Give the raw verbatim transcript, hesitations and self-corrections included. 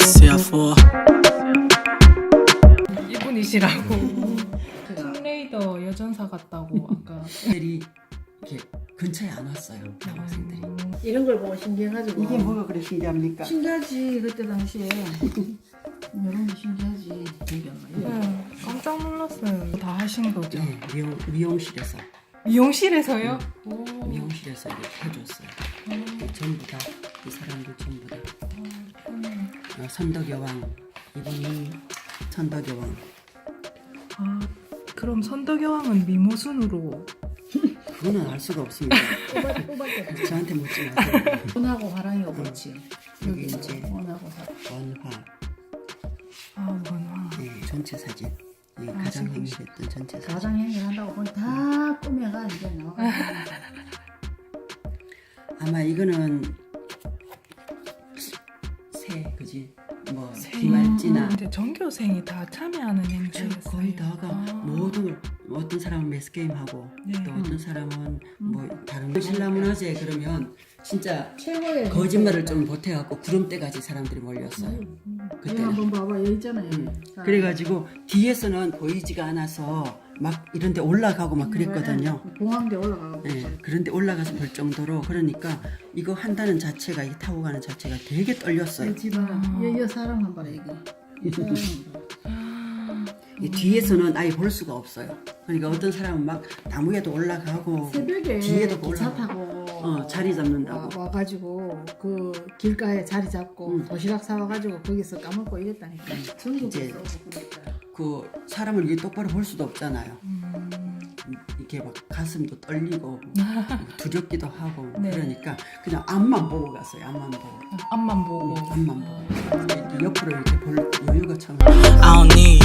C F 이분이시라고. 툼레이더 여전사 같다고 아까. 애들이 이렇게 근처에 안 왔어요. 대학생들이. 이런 걸 보고 신기해가지고 이게 뭐가 그래 신기합니까? 신기하지 그때 당시에 이런 게 신기하지. 네, 깜짝 놀랐어요. 다 하신 거죠? 네, 미용, 미용실에서 미용실에서요? 오. 미용실에서 이렇게 해줬어요. 이 전부 다 이 사람들 전부 다 어, 선덕여왕 이분이 선덕여왕. 아, 그럼 선덕여왕은 미모순으로. 그거는 알 수가 없습니다. 뽑아 뽑아 때 저한테 묻지 마세요. 원하고 화랑이가 그렇지. 여기 이제 원하고 화. 원화 아, 원화. 네, 전체 사진. 이 아, 가장 지금 행실했던 전체 사진. 가장 행위를 한다고 보니 다 꾸며가 이제 나와가지고. 아마 이거는 새 그지? 뭐 새. 비말지나 근데 전교생이 다 참여하는 행사였어요. 거의 다가 아. 모든 걸 어떤 사람은 매스 게임 하고 네. 또 어떤 사람은 뭐 다른 신라문화제 그러면 진짜 최고의 거짓말을 좀 보태갖고 구름대까지 사람들이 몰렸어요. 여기 그때는. 한번 봐봐 여기 있잖아요. 음. 자, 그래가지고 뒤에서는 보이지가 않아서 막 이런데 올라가고 막 그랬거든요. 공항대 올라가고. 네, 그런데 올라가서 볼 정도로 그러니까 이거 한다는 자체가 이 타고 가는 자체가 되게 떨렸어요. 집안 아. 여여 사람 한 봐라 여기. 이 사람 아, 이 뒤에서는 아예 볼 수가 없어요. 그러니까 어떤 사람은 막 나무에도 올라가고 새벽에 뒤에도 기차 올라가고 타고 어, 자리 잡는다고. 와, 와가지고 그 길가에 자리 잡고 음. 도시락 사와가지고 거기서 까먹고 이랬다니까. 전국에 이제 쏘고 그러니까. 그 사람을 이게 똑바로 볼 수도 없잖아요. 음. 이렇게 막 가슴도 떨리고 두렵기도 하고 네. 그러니까 그냥 앞만 보고 갔어요. 앞만 보고. 앞만 보고. 음, 앞만 보고. 이렇게 옆으로 이렇게 볼 여유가 참. I don't need